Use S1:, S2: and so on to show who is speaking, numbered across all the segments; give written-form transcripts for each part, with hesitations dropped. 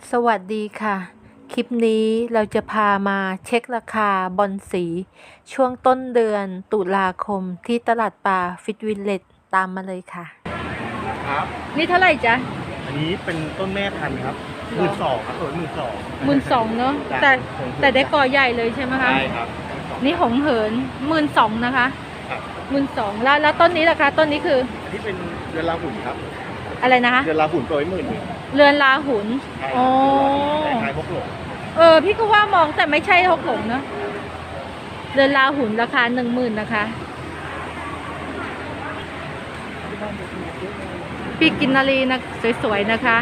S1: สวัสดีค่ะ คลิปนี้เราจะพามาเช็คราคาบอนสีช่วงต้นเดือนตุลาคมที่ตลาดปลาฟิตวิลเลจตามมาเลยค่ะ
S2: ครับ
S1: นี่เท่าไหร่จ๊ะ
S2: อันนี้เป็นต้นแม่พันธุ์ครับ12,000ครับ
S1: 12,000เนาะ
S2: จ้ะ
S1: แต่ได้กอใหญ่เลยใช่ไหมคะ
S2: ใช่ครับ
S1: นี่หงเหิน12,000นะคะ
S2: ครับ
S1: 12,000แล้วต้นนี้ล่ะคะต้นนี้คือ
S2: อันนี้เป็นเรือนราหุ่นครับ
S1: อะไรนะคะ
S2: เรือนราหุ่นตัวไว้10,000
S1: เรือนลาหุน
S2: ใช่
S1: อ๋อ
S2: คล้ายๆพวกหลง
S1: พี่ก็ว่ามองแต่ไม่ใช่ฮกหลงเนาะเรือนลาหุนราคา10,000นะคะปีกกินนารีนะสวยๆนะคะ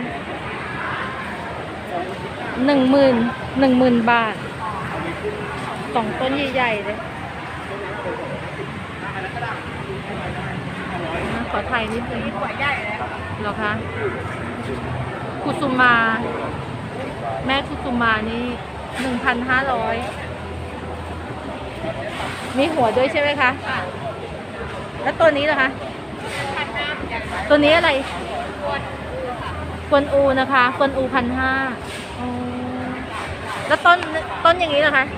S1: 10,000 บาท2 ต้นใหญ่ๆเลยขอถ่ายนิดนึงเหรอคะคุซุมาแม่คุซุมานี่ 1,500มีหัวด้วยใช่ไหมคะแล้วตัวนี้ล่ะคะตัวนี้อะไรกวนอูนะคะกวนอู1,500แล้วต้นอย่างนี้ล่ะคะ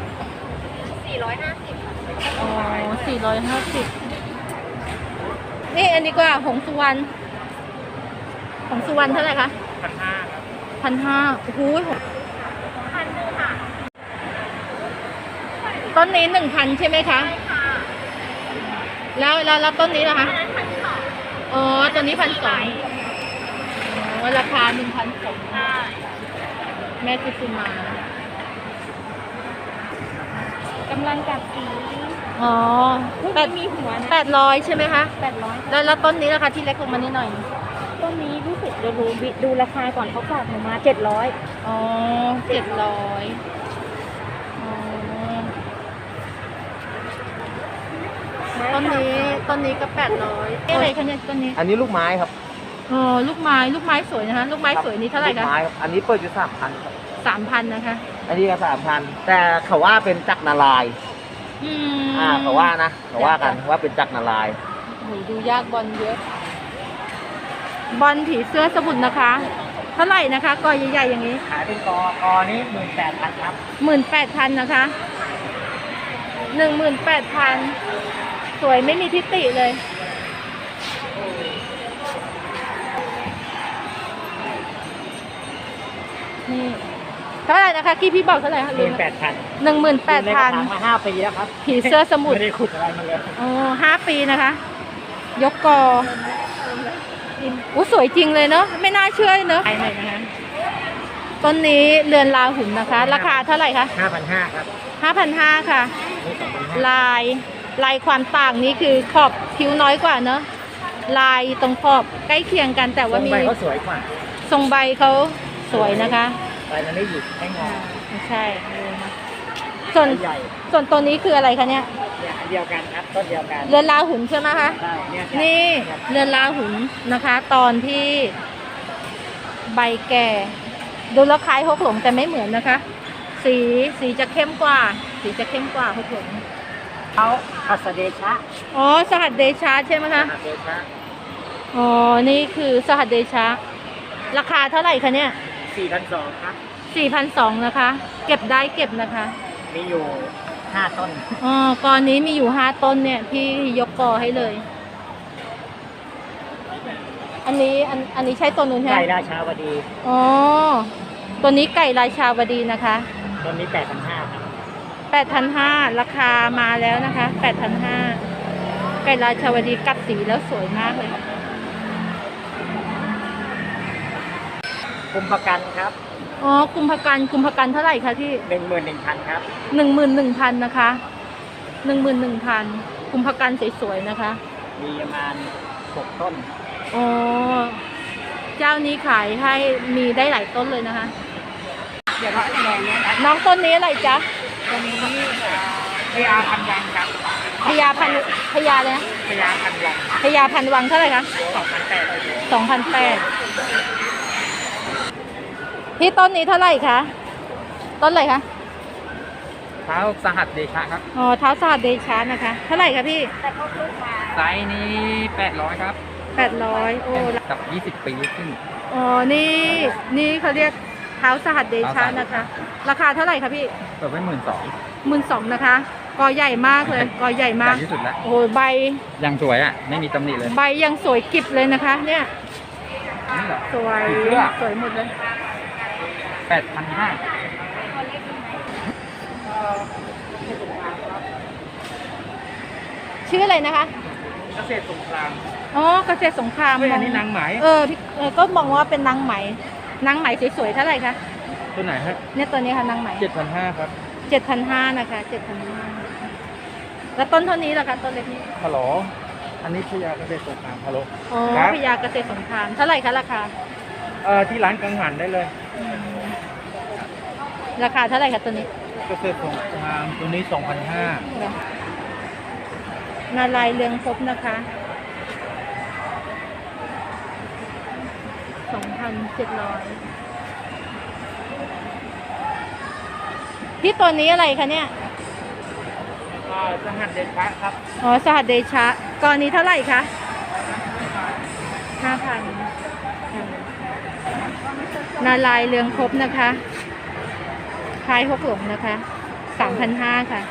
S1: 450อ๋อ450นี่อันนี้ก็หงสุวรรณเท่าไหร่คะ1,500โอ้โหต้นนี้1,000ใช่ไหมคะแล้วต้นนี้ล่ะคะอ๋อตัวนี้1,200อ๋อราคา1,200แม่คุซุมากำลังกัดสีอ๋อมีหัวนะ800ใช่ไหมคะ800แล้วต้นนี้ล่ะคะที่เล็กลงมานิดหน่อย
S3: ต้นนี้รู้สึกดูราคาก่อนเขาฝากหนูมา700
S1: อ๋อ700อ๋อต้นนี้ก็800อะไรคะเนี่ยต้นนี้
S2: อันนี้ลูกไม้ครับ
S1: อ๋อลูกไม้สวยนะคะลูกไม้สวยนี้เท่าไหร่
S2: ลู
S1: คะ
S2: กไม้ครับอันนี้เปิดอยู่3,000ครับ
S1: 3,000นะคะ
S2: อันนี้ก็3,000แต่เขาว่าเป็นจักรนารายณ์ เขาว่านะเขาว่ากันว่าเป็นจักรนารายณ์
S1: โหดูยากบอลเยอะ บอลผีเสื้อสมุทรนะคะ เท่าไหร่นะคะกอใหญ่ๆอย่างนี้
S2: ขายเป็นกอนี้18,000ครับ
S1: 18,000นะคะ18,000สวยไม่มีทิฏฐิเลยนี่เท่าไหร่นะคะพี่บอกเท่าไหร่คะ
S2: 18,000
S1: 18,000
S2: มา5 ปีแล้วครับ
S1: ผีเสื้อสมุทร
S2: ไม่ได้ขุดอะไรมาเลย
S1: อ๋อ5 ปีนะคะ ยกกออู้สวยจริงเลยเนาะไม่น่าเชื่อเนาะไหนนะคะต้นนี้เรือนลาหุ่นนะคะ ราคาเท่าไหร่คะ
S2: 5,500ครับ
S1: 5,500ค่ะ
S2: นี่2,500
S1: ลายความต่างนี้คือขอบผิวน้อยกว่าเนาะลายตรงขอบใกล้เคียงกันแต่ว่ามี
S2: ใบเขาสวยกว่า
S1: ทรงใบเขาสวยนะคะ
S2: ใบมันไม่หยิกไม่งอ
S1: ไม่ใช่ส่วน
S2: ใหญ่
S1: ตัวนี้คืออะไรคะเนี่ย
S2: เนี่ยอันเดียวกันครับต้นเดียวกัน
S1: เรือนลาหุ่นใช่ไหมคะ
S2: ใช่เนี่ย
S1: นี่เรือนลาหุนนะคะ ตอนที่ใบแก่ดูแล้วคล้ายฮกหลงแต่ไม่เหมือนนะคะ สีจะเข้มกว่าฮกหลง
S3: เขาพัสเดชะ
S1: อ๋อสหัสเดชะใช่ไหมคะ
S2: เดชะ
S1: อ๋อนี่คือสหัสเดชะราคาเท่าไหร่คะเนี่ย
S2: 4,200ครับ
S1: 4,200นะคะ เก็บได้เก็บนะคะ
S2: มีอยู่5 ต้น
S1: อ๋อกอนี้มีอยู่5 ต้นเนี่ยพี่ยกกอให้เลย อันนี้ใช่ตัวนู้นใช่ไหม
S2: ไก่ราชาวดี
S1: อ๋อ ตัวนี้ไก่ราชาวดีนะคะ
S2: ต้นนี้8,500ครับ
S1: 8,500ราคามาแล้วนะคะ 8,500ไก่ราชาวดีกัดสีแล้วสวยมากเลย
S2: กุมภกันครับ
S1: อ๋อ กุมภกันเท่าไหร่คะที่
S2: 11,000ครับ
S1: 11,000นะคะ 11,000กุมภกันสวยๆนะคะ
S2: มีประมาณ6 ต้น
S1: อ๋อ เจ้านี้ขายให้มีได้หลายต้นเลยนะคะ
S3: เดี๋ยวเราแดงเนี่ยนะ
S1: น้องต้นนี้อะไรจ๊ะ
S3: ตรงนี้พญาพันวังครับ
S1: พญาเลยนะ
S2: พญาพันวัง
S1: พญาพันวังเท่าไหร่คะ
S2: 2,800
S1: 2,800พี่ต้นนี้เท่าไหร่คะ ต้นอะไรคะ
S2: เท้าสหัสเดชะครับ
S1: อ๋อเท้าสหัสเดชานะคะ เท่าไหร่คะพี่
S3: แต่เขาลูกมา
S2: ไซส์นี้800ครับ
S1: 800โอ้
S2: กับ20 ปีขึ้น
S1: อ๋อนี่เขาเรียกเท้าสหัสเดชะนะคะ ราคาเท่าไหร่คะพี่
S4: เปิดไว้12,000
S1: 12,000นะคะกอใหญ่มากเลยกอใหญ่
S4: ให
S1: มา
S4: ญ่
S1: ก
S4: ที่สุดแล้ว
S1: โอ้โหใบ
S4: ยังสวยอ่ะ ไม่มีตำหนิเลย
S1: ใบยังสวยกิบเลยนะคะ เนี่ย
S4: นี่เหรอ
S1: สวย
S4: ผีเสื้อ
S1: สวยหมดเลย
S4: 8,500
S1: ชื่ออะไรนะคะ
S4: เกษตรสงคราม
S1: อ๋อเกษตรสงคราม
S4: เฮ้ยอันนี้นางไหม
S1: พี่ก็มองว่าเป็นนางไหมนางไหมสวยๆเท่าไหร่คะ
S4: ตัวไหนฮะ
S1: เนี่ยตัวนี้ค่ะนางไหม
S4: 7,500 ครับ
S1: 7,500นะคะ7,500แล้วต้นเท่านี้ล่ะคะต้นเล็กนี้
S4: ฮัลโหลอันนี้พยาเกษตรสงครามฮัลโหล
S1: อ๋อ
S4: ครับ
S1: พญาเกษตรสงครามเท่าไหร่คะราคา
S4: ที่ร้านกังหันได้เลย
S1: ราคาเท่าไหร่คะตัวนี้
S4: เกษตรสงครามตัวนี้
S1: นาลายณ์เรืองภพนะคะ2,700ที่ตัวนี้อะไรคะเนี่ย
S4: 2,500 สหัสเดชะครับ
S1: อ๋อสหัสเดชะกรณีเท่าไหร่คะ 5,000นาลายณ์เรืองภพนะคะคล้ายฮกหลงนะคะ 3,500 ค่ะ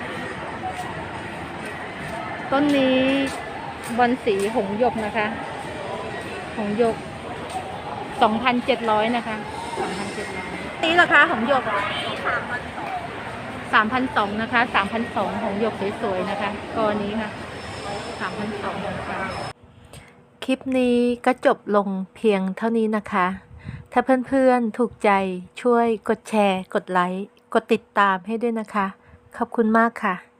S1: ต้นนี้บอนสีหงส์หยกนะคะ หงส์หยก 2,700 นะคะ 2,700นี่ราคาหงส์หยก 3,200 นะคะ 3,200 หงส์หยกสวยๆนะคะกอนี้ค่ะ 3,200 นะคะ คลิปนี้ก็จบลงเพียงเท่านี้นะคะ ถ้าเพื่อนๆถูกใจช่วยกดแชร์ กดไลค์ กดติดตามให้ด้วยนะคะ ขอบคุณมากค่ะ